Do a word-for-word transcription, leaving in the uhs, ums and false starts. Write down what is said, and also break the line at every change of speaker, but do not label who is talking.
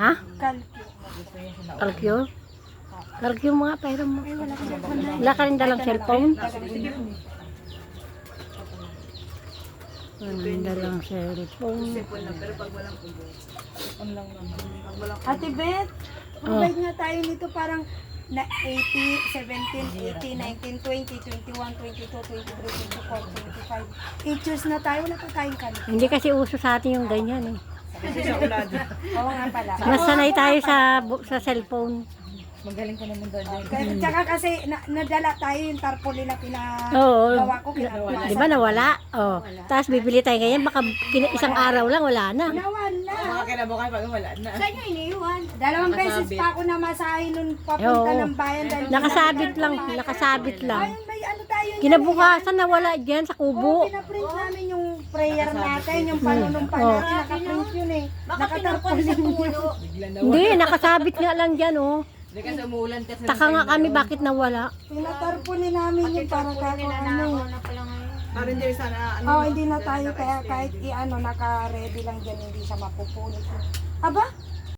Ha?
Kalki.
Kalkyo? Kalkyo mga pero mo. Wala ka rin dalang cellphone? Wala rin dalang cellphone.
Ate Beth,
Oh.
mabait nga tayo nito parang na eighty, seventeen, eighteen, nineteen, twenty, twenty-one, twenty-two, twenty-three, twenty-four, twenty-five. eight years na tayo, wala pa tayong kalki.
Hindi kasi uso sa atin yung ganyan eh.
Oo nga pala.
Mas sanay tayo sa bu- sa cellphone.
Magaling ka naman doon.
Kaya, tsaka kasi na, nadala tayo yung tarpaulin na
Oo.
pinagawa ko. Kinagawa.
Di ba nawala? Oh. Tapos bibili tayo ngayon, baka kina- isang araw lang wala na.
Nawala.
Mga kinabukasan pag wala na.
Saan nyo iniwan? Dalawang beses pa ako namasahe nun papunta
Oo.
ng bayan. Dahil
Nakasabit lang, nakasabit lang.
Ayun, may ano tayo niyan.
Kinabukasan nawala dyan sa
Oo,
kubo.
pinaprint namin yung prayer natin, yung panunumpa
Oo.
natin, nakaprint yun eh. Nakatarpaulin yun.
Bigla na.
Hindi, nakasabit nga lang dyan oh.
Hindi kasi umuulan kasi.
Taka nga kami bakit nawala.
Pinatarpaulin namin yung para kako ano.
Parang hindi sana ano.
Oh, hindi na tayo kaya kahit i-ano, naka-ready lang dyan, hindi siya mapupunit. Aba,